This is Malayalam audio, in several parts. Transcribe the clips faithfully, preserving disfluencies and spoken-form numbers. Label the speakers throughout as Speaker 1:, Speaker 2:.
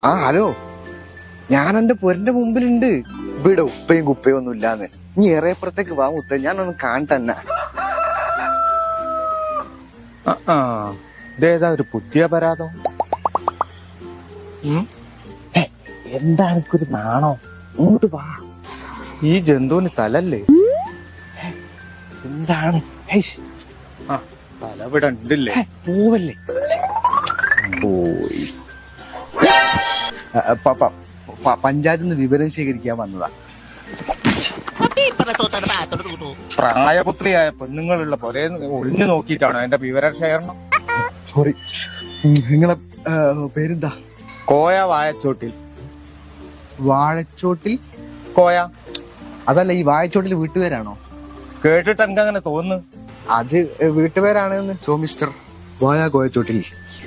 Speaker 1: ആ ഹലോ, ഞാൻ എന്റെ പൊരന്റെ മുമ്പിലുണ്ട്. ഇവിടെ ഉപ്പയും കുപ്പയും ഒന്നും ഇല്ലാന്ന്. നീ ഏറെപ്പുറത്തേക്ക് വാ മുത്ത, ഞാനൊന്ന് കാണത്തന്നെ.
Speaker 2: ഇതേതാ ഒരു പുതിയ പരാതം?
Speaker 1: എന്താ എനിക്കൊരു നാണോ? ഇങ്ങോട്ട് വാ.
Speaker 2: ഈ ജന്തുവിന് തലല്ലേ?
Speaker 1: എന്താണ്?
Speaker 2: ആ തല ഇവിടെ ഉണ്ടല്ലേ?
Speaker 1: പോവല്ലേ? പോയി. പഞ്ചായത്തിൽ നിന്ന് വിവരം ശേഖരിക്കാൻ വന്നതാ.
Speaker 2: പ്രായപുത്രിയായ പെണ്ണുങ്ങളുള്ള പോലെ ഒളിഞ്ഞു നോക്കിയിട്ടാണോ എന്റെ വിവര ശേഖരണം?
Speaker 1: സോറി, നിങ്ങളെ പേരെന്താ?
Speaker 2: കോയ വായച്ചോട്ടിൽ.
Speaker 1: വാഴച്ചോട്ടിൽ
Speaker 2: കോയ?
Speaker 1: അതല്ല, ഈ വാഴച്ചോട്ടിൽ വീട്ടുപേരാണോ?
Speaker 2: കേട്ടിട്ട് എനിക്ക് അങ്ങനെ തോന്നുന്നു.
Speaker 1: അത് വീട്ടുപേരാണെന്ന്. സോ മിസ്റ്റർ വായ കോയച്ചോട്ടിൽ.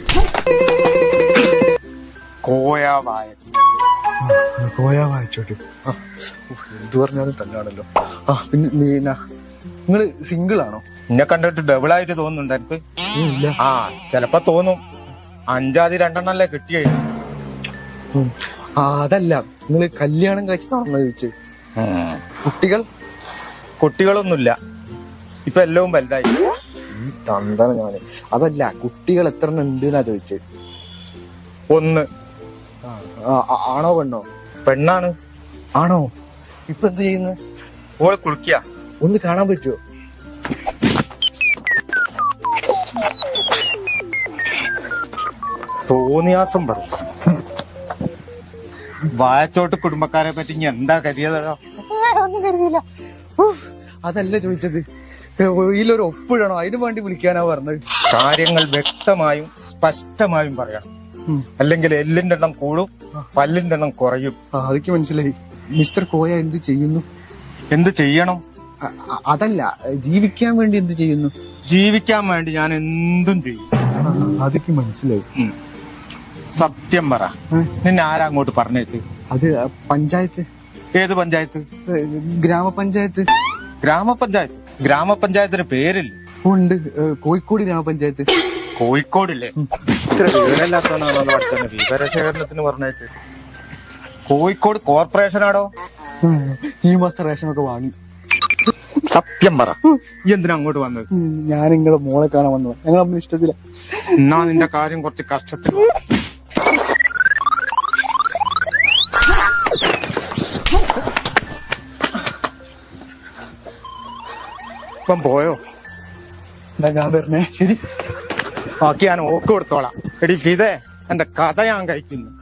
Speaker 2: കോയ വായ
Speaker 1: കോയ വായച്ചോട്ടിൽ. എന്ത് പറഞ്ഞാലും തന്നെയാണല്ലോ. ആ പിന്നെ പിന്നെ നിങ്ങള് സിംഗിൾ ആണോ?
Speaker 2: എന്നെ കണ്ടിട്ട് ഡബിൾ ആയിട്ട് തോന്നുന്നുണ്ട് എനിക്ക്.
Speaker 1: ഇല്ല.
Speaker 2: ആ ചെലപ്പോ തോന്നും. അഞ്ചാതി രണ്ടെണ്ണല്ലേ കിട്ടിയേ.
Speaker 1: ആ അതല്ല, നിങ്ങള് കല്യാണം കഴിച്ചതാണെന്ന് ചോദിച്ചു. കുട്ടികൾ?
Speaker 2: കുട്ടികളൊന്നുമില്ല, ഇപ്പൊ എല്ലാം വലുതായി.
Speaker 1: തന്താണ് ഞാന്. അതല്ല, കുട്ടികൾ എത്ര എണ്ണം ഉണ്ട് എന്നാ ചോദിച്ചത്.
Speaker 2: ഒന്ന്.
Speaker 1: ആണോ പെണ്ണോ?
Speaker 2: പെണ്ണാണ്.
Speaker 1: ആണോ? ഇപ്പൊ എന്ത് ചെയ്യുന്നു?
Speaker 2: ഓള് കുളിക്കുക.
Speaker 1: ഒന്ന് കാണാൻ പറ്റുമോ?
Speaker 2: തോന്നിയാസം പറയും. വായച്ചോട്ട് കുടുംബക്കാരെ പറ്റി ഇനി എന്താ കരുതിയതോ?
Speaker 1: ഒന്നും കരുതിയില്ല. അതല്ല ചോദിച്ചത്, ഇതിലൊരു ഒപ്പിടണോ, അതിനു വേണ്ടി വിളിക്കാനാ പറഞ്ഞത്.
Speaker 2: കാര്യങ്ങൾ വ്യക്തമായും സ്പഷ്ടമായും പറയാം, അല്ലെങ്കിൽ എല്ലിന്റെ എണ്ണം കൂടും, പല്ലിന്റെ എണ്ണം കുറയും.
Speaker 1: അതൊക്കെ മനസ്സിലായി. മിസ്റ്റർ കോയ എന്ത് ചെയ്യുന്നു?
Speaker 2: എന്ത് ചെയ്യണം?
Speaker 1: അതല്ല, ജീവിക്കാൻ വേണ്ടി എന്ത് ചെയ്യുന്നു?
Speaker 2: ജീവിക്കാൻ വേണ്ടി ഞാൻ എന്തും ചെയ്യും.
Speaker 1: അതൊക്കെ മനസ്സിലായി.
Speaker 2: സത്യം പറ, നിന്നെ ആരാ അങ്ങോട്ട് പറഞ്ഞേച്ച്?
Speaker 1: അത് പഞ്ചായത്ത്.
Speaker 2: ഏത് പഞ്ചായത്ത്?
Speaker 1: ഗ്രാമപഞ്ചായത്ത്.
Speaker 2: ഗ്രാമപഞ്ചായത്ത്? ഗ്രാമപഞ്ചായത്തിന് പേരില്ല.
Speaker 1: ഉണ്ട്, കോഴിക്കോട് ഗ്രാമപഞ്ചായത്ത്.
Speaker 2: കോഴിക്കോടില്ലേ? ഇത്ര വിവരമില്ലാത്തവനാണോ പഠിച്ചത്? വിവരശേഖരണത്തിന് പറഞ്ഞേച്ച്. കോഴിക്കോട് കോർപ്പറേഷനാടോ?
Speaker 1: ഈ മാസം റേഷനൊക്കെ വാങ്ങി.
Speaker 2: സത്യം പറ, ഈ എന്തിനാ അങ്ങോട്ട് വന്നത്?
Speaker 1: ഞാൻ നിങ്ങളെ മോളെ കാണാൻ വന്നത്. ഞങ്ങൾ അമ്മ ഇഷ്ടത്തില്ല.
Speaker 2: എന്നാ നിന്റെ കാര്യം കുറച്ച് കഷ്ടത്തിൽ. ഇപ്പം പോയോ?
Speaker 1: എന്നാ ഞാൻ വരണേ. ശരി,
Speaker 2: ബാക്കി ഞാൻ ഓക്ക് കൊടുത്തോളാം. എടി ഫിദേ, എന്റെ കഥ ഞാൻ കഴിക്കുന്നു.